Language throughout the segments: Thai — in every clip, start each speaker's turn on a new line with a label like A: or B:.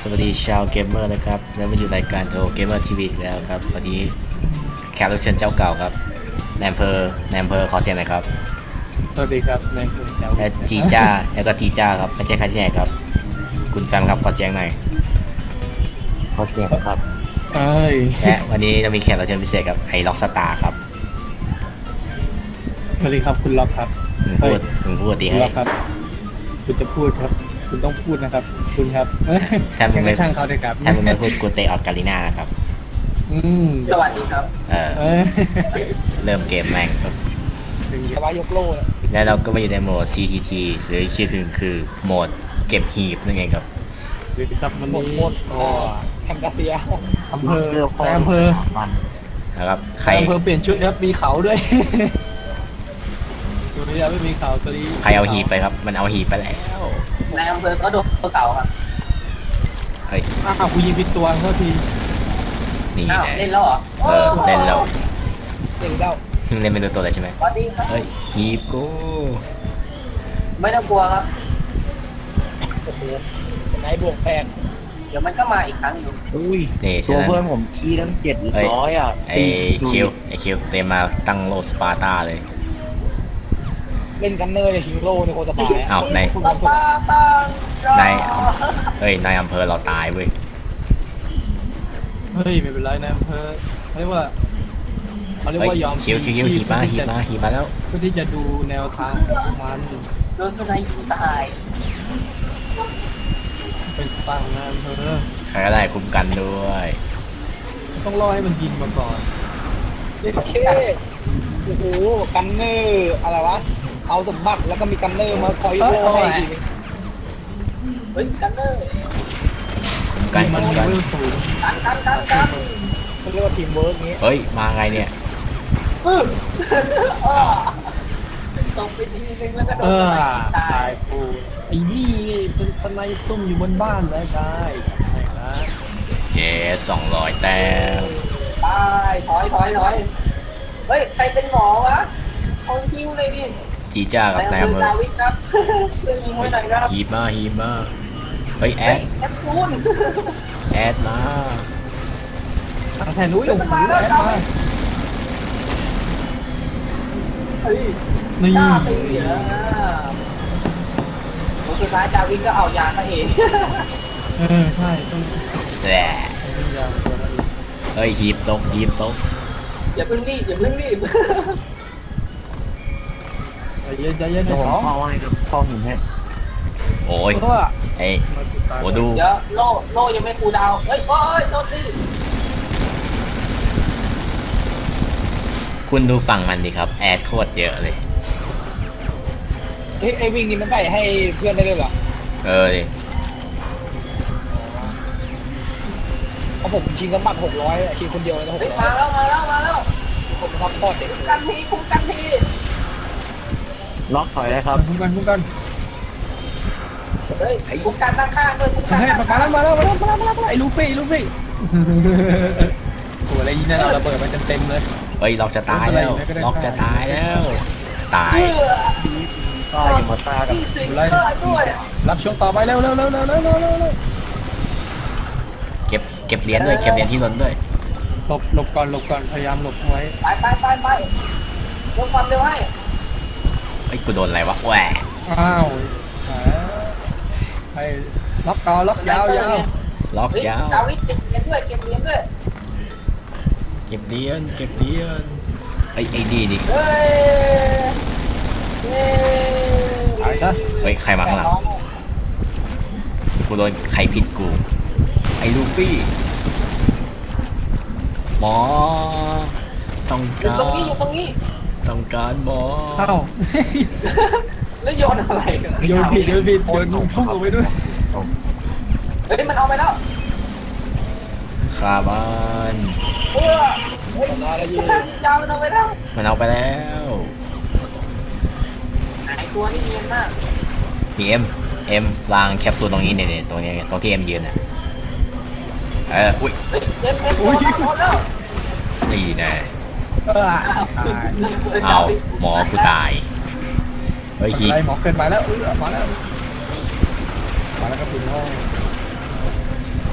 A: สวัสดีชาวเกมเมอร์นะครับแล้วมาอยู่รายการโทเกมเมอร์ทีวีแล้วครับวันนี้แขกรับเชิญเจ้าเก่าครับนายอำเภอขอเสียงหน่อยครับ
B: สวัสดีครับนายคุณเจ้า
A: และจีจ้าแล้วก็จีจ้าครับไม่ใช่ใครที่ไหนครับคุณแฟมครับขอเสียงหน่อย
C: ขอเสียงครับ
B: เอ้ย
A: และวันนี้เรามีแขกรับเชิญพิเศษครับไอ้ล็อกสตาร์ครับ
B: สวัสดีครับคุณล็อกครับ
A: มึงพูดตีให้
B: ล็อกครับคุณจะพูดครับคุณต้องพูดนะครับคุณครับ
A: ถ้ามึงไม่
B: ช่างเขาเลยครับ
A: ถ้ามึงไม่พูดกูเตะออกกาลิน่านะครับ
B: สวัสดีครับ
A: เริ่มเกมแม่งครับ
B: ถึงจะว่ายกโล่
A: แล้วเราก็มาอยู่ในโหมด CTT หรือชื่อถึงคือโหมดเก็บหีบนั่นเองครับ
B: หรือครับมันโหมดแคมกาเซียอำเภอ
A: นะครับใคร
B: อำเภอเปลี่ยนชุดครับมีเขาด้วยตัวนี้ไม่มีเขาตัวนี้
A: ใครเอาหีบไปครับมันเอาหีบไปแล้ว
D: ในอำเภอก็โดนตัวเก่าครับ
A: เฮ้ย
B: กูยิงผิดตัวเท่าที
A: นี่
D: เล่นแล้วเหรอ
A: เล่นแล้ว
B: เล่นแล้ว
A: เล่นไม่รู้ตัวเลยใช่ไหม
D: สวัสดีครับ
A: เฮ้ยหีบกู
D: ไม่ต้องกลัวครับ
B: โอ้โหนายบวกแพง
D: เดี๋ยวมันก็มาอีกครั้งนึง
C: อุ้ยตัวเพื่อนผมขี้ตั้ง700อ่ะ
A: ไอคิวเต็มมาตั้งโลสปาร์ตาเลย
B: เล่นกันเนอร์ฮิโร่ในโคตรสบาย
A: อ้าวในนายอำเภอเราตายเว้ย
B: เฮ้ยไม่เป็นไรนายอำเภอเขาเรียกว่ายอม
A: คิวหีบมาแล้ว
B: เพื่อที่จะดูแนวทางของมัน
D: โดนตัวไหนยิงตาย
B: เป็นตั้งนายอำเภอ
A: ใครก็ได้คุ้มกันด้วย
B: ต้องรอให้มันยิงมาก่อนเด็กเท่โอ้โหกันเนอร์อะไรวะเอาสมบัติแล้วก็มีกันเนอร์มาคอยโล่ให้ทีนึง
D: เฮ้ยกันเนอร์
A: กัน
D: กัน
B: เขาเรียกว่าทีมเวิร์กนี้
A: เฮ้ยมาไงเนี่ย
D: ตกไปทีนึงแล้วก็โดนตาย
B: กูไอ้นี่เป็นสไนป์ซุ่มอยู่บนบ้านได้ใช่นะ
A: เย้200 แต้ม
D: ตายถอยเฮ้ยใครเป็นหมอวะเอาคิวเลยดิ
A: จีจ้ากับนายอำเภอหีบมาเฮ้ยแอดมา
B: ทางแทนนุ้ยลงถือแอดมา
D: นี่สุดท้ายจาวินก็เอายามาเอง
B: ใช่ต้อง
A: แหละเฮ้ยหีบตก
D: อย่าเพิ่งรีบ
B: ใจเย็น
C: ผมเอาให้กับข้อหินให้
A: โอ้ยไอ้โหดู
D: เดี๋ยวโล่ยังไม่คูดาวเฮ้ยโดนดิ
A: คุณดูฝั่งมันดิครับแอดโคตรเยอะเลย
B: ไอ้วิ่งนี่มันได้ให้เพื่อนได้ด้วยเหรอ
A: ดิ
B: เพราะผมชิงสมบัติ600ชิงคนเดียวเลยนะ
D: 600มาแล้ว
B: ผมทับพอดเด็ก
D: คุ้มกันที
C: ล็อกถอยได้ครับ
B: คุ้มกัน
D: เฮ้ยคุ้มกันด้านข้างด้วยคุ้มกัน
B: มาแล้วไอ้ลูฟี่โหอะไรนี่นะระเบิดมันเต็มเลย
A: เฮ้ยล็อกจะตายแล้วตาย
C: ยังมาตากับ
B: รับช่วงต่อไปเร็ว
A: เก็บเหรียญด้วยเก็บเหรียญที่ล้นด้วย
B: หลบก่อนพยายามหลบไว้
D: ไปลงความเร็วให้
A: ไอ้กูโดนอะไรวะแหว
B: อ้าวให้ล็อกต่อล็อกยาว
A: ล็อกยาว
D: ดาวิดเก็บเหรียญด้วย
A: เก็บเหรียญไอ้ดีดิ
D: เ
A: ฮ้ยใครมาข้างหลังกูโดนใครผิดกูไอ้ลูฟี่หมอต้องการ
D: อยู่ตรงนี้
A: ต้องการหมอ
D: แล้วโยนอะไร
B: โยนผิดโยนพุ่งออกไปด้วย
D: เฮ้ยมันเอาไปแล้ว
A: คาบาน
D: ยาวมันเอาไปแล้วไอตัวนี้เนียนมาก
A: มีเอ็มวางแคปซูลตรงนี้เนี่ยตรงนี้ตรงที่เอ็มยืนอ่ะอุ้ยนี่แน่เอาหมอกูตายเฮ้ยฮี
B: หมอเกินไปแล้วมาแล้วครับคุณพ่อ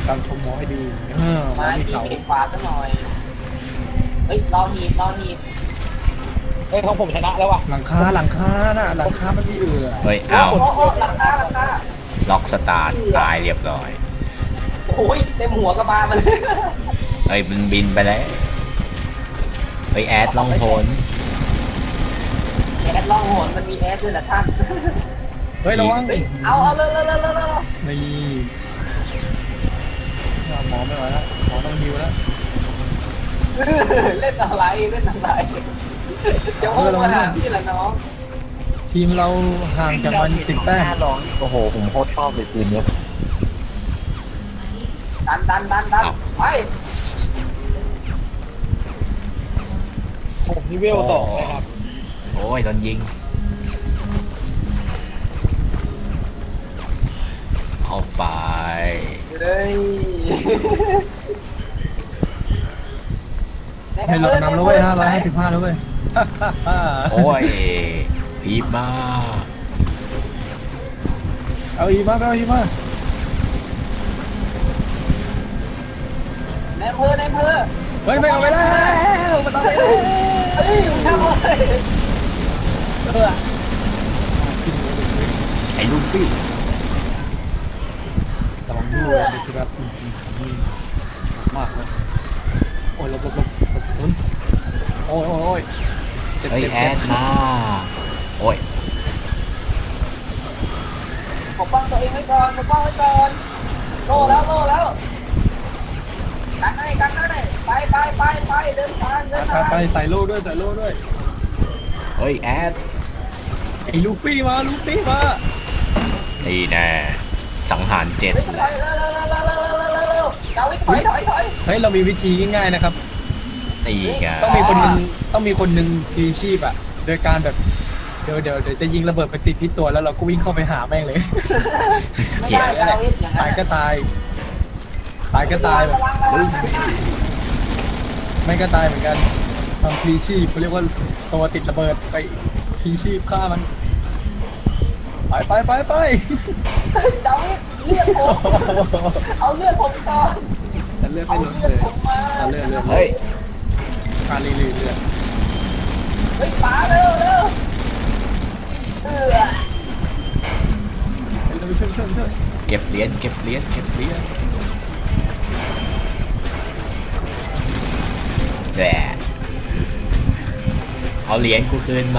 B: การชมหมอให้ดีหมอ
D: มา
B: มี
D: ที
B: เขา
D: เห็นขวาซะหน่อยเฮ้ยรอหีบรอหีบ
B: เฮ้ยของผมชนะแล้วว่ะหลังคาน่ะหลังคามันมี
A: เฮ้ย
D: โอ้
A: อ้าว
D: โหหลังคา
A: ล็อกสตาร์ทตายเรียบร้อย
D: โอ้ยเต็มหัวกระบาลมัน
A: เฮ้ยมันบินไปแล้วเฮ้ยแอดล่องหน
D: แอดล่องหนมันมีแอดด้วยนะท่าน
B: เฮ้ยระวัง
D: เอาเลย
B: นี่หมอไม่ไหวแล้วหมอต้องฮิวแล้ว
D: เล่นอะไรจะโอ้มาหาพี่ละน้อง
B: ทีมเราห่างจากมัน10 แต้ม
C: ลองโอ้โหผมโคตรชอบเลยปืนเนี้ย
D: ดันไป
B: ผมนี่เวล2เลยครับ
A: โอ้ยโดนยิงเอาไป
D: เลย
B: ให้เรานำแล้วเว้ย555แล้วเว้ย
A: โอ้ยพีบมาก
B: เอาอีกมาเอาอีกมา
D: ในอำเภอ
B: เฮ้ยไม่เอาไปแล้วมันต้องไปแล้ว
D: เฮ้ยทำอะไร
A: ไอ้ลูฟี่
B: ระวังด้วยนะครับมากเลยโอ้ยหลบศูนย์โอ้ยเจ็บ
A: เฮ้ยแอดมาโอ้ย
D: ปกป้องตัวเองไว้ก่อนโล่แล้วกันให้ไปเดินทาง
B: ไปใส่โล่ด้วย
A: เฮ้ยแอด
B: ไอ้ลูฟี่มา
A: นี่แน่สังหาร7
D: เร็วเจ้าวิถอย
B: เฮ้ยเรามีวิธีง่ายๆนะครับ
A: ตีกัน
B: ต้องมีคนหนึ่งพลีชีพอ่ะโดยการแบบเดี๋ยวจะยิงระเบิดไปติดที่ตัวแล้วเราก็วิ่งเข้าไปหาแม่งเลย
A: เขียน
D: เจ้าวิอย่างนั้
B: ตาย
D: น
B: ก็ตายแบบ
A: ลูฟี่
B: ไม่ก็ตายเหมือนกันทำพลีชีพเขาเรียกว่าตัวติดระเบิดไปพลีชีพฆ่ามันไป
D: เจ้าวิเลือดผมเอาเลือดผมก่อน
B: แต่เลือด
D: เอา
B: ไม่ลด
D: เลื
B: เล
D: อด
B: ย
D: ผมมา
B: เลือด
A: เฮ้ย
B: การรีเลือด
D: เฮ้ยป๋าเร็ว
B: เราไปช่วย
A: เก็บเหรียญแหละเอาเหรียญกูคืนมา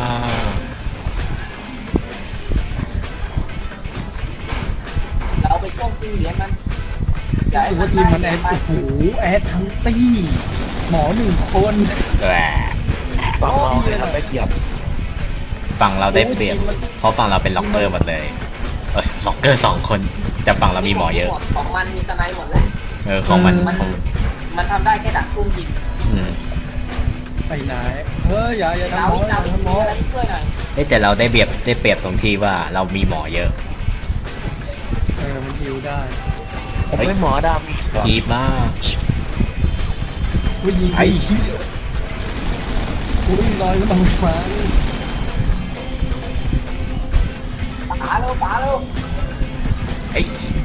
D: เราไปก้มตีเหรียญมัน
B: รู้สึกว่าทีมมันแอดโอ้โหแอดทั้งตี้หมอ1 คน
A: แหละ
C: ฝั่งเราเนี่ยทำได้เกียบ
A: ฝั่งเราได้เปรียบเพราะฝั่งเราเป็นล็อกเกอร์หมดเลยล็อกเกอร์2 คนแต่ฝั่งเรามีหมอเยอะ
D: ของมันมีสไนหมดเลย
A: ของมัน
D: มันทำได้แค่ดักตุ้มยิง
A: อืม
B: ไปไหนเฮ้ยอย่าทำหมอ
D: ดาวิมีอะไรช่วยหน่อย
A: แต่เราได้เปรียบตรงที่ว่าเรามีหมอเยอะ
B: มันฮิวได้
C: ผมเป็นหมอดำอีกเหรอ
A: พีบมาก
B: อุ้ยยิง
A: ไอ้เหี้ย
B: อุ้ยลอยก็ต้องมา
D: ป๋าเร็ว
A: ไอ้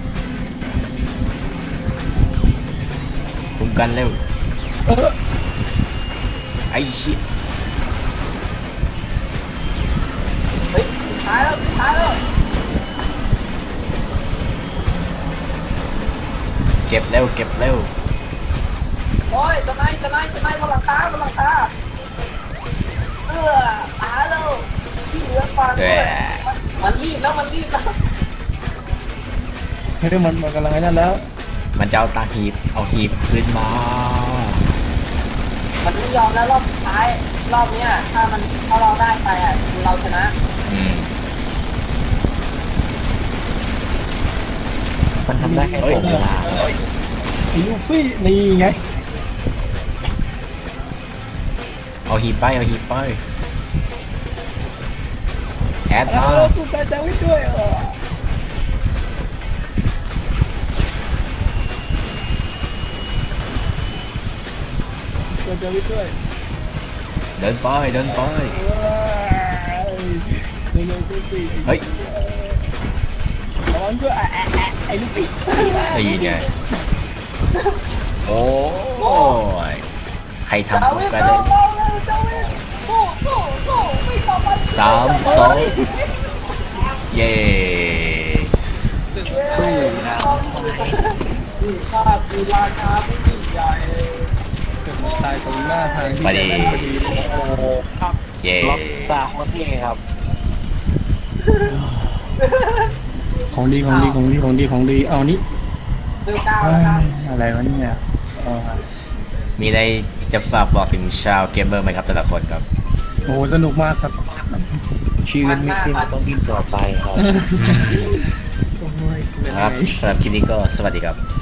A: คุมกันเร็วไอ้ชิ
D: เฮ้ยตายแล้ว
A: เก็บเร็ว
D: โอ้ยสไนบนหลังคาป๋าเร็วที่เหลือฟัง
A: แหละ
D: มันรีบแล้ว
B: เฮ้ยมันกำลังไอ้นั่นแล้ว
A: มันจะเอาตาเอาหีบขึ้นมา
D: มันไม่ยอมแล้วรอบสุดท้ายรอบเนี้ยถ้าเราได้ไปอ่ะเราชนะ
A: อืม
C: มันทำได้แค่
A: เฮ้ย
C: ผมนะ
B: ไอ้ลูฟี่นี่ไง
A: เอาหีบไปแอดมา
B: กูไปจะวิ่งด้วยจะวิ่งด้วย
A: เดินไป
B: เร็วๆสิ
A: เฮ้ย
B: แล้วมันก็ไอ้ลูกปิด
A: ได้ยินไงโอ้ยใครทำผมกันเลย
D: เจ้าเว้นโก้โก้โก้ไม่ต่อไป
A: 3 2 เย้
B: สู้นะ
D: นี่ข้าคือราชาผู้ยิ่งใหญ่
B: เกิดมาตายตรงหน้าทางที่
A: พอดี
B: พอดี
C: โอ้โหครับ
A: เย้
C: ล็อกสตาร์โคตรเท่ครับ
B: ของดีของดีของดีของดีของดีเอานี่
D: เดือดดาวนะครับ
B: อะไรวะเนี่ย
A: มีอะไรจะฝากบอกถึงชาวเกมเมอร์ไหมครับแต่ละคนครับ
B: โอ้สนุกมากครับ
C: ชีวิตไม่สิ้นต้องดิ้นต่อไปครับ
A: ครับสำหรับคลิปนี้ก็สวัสดีครับ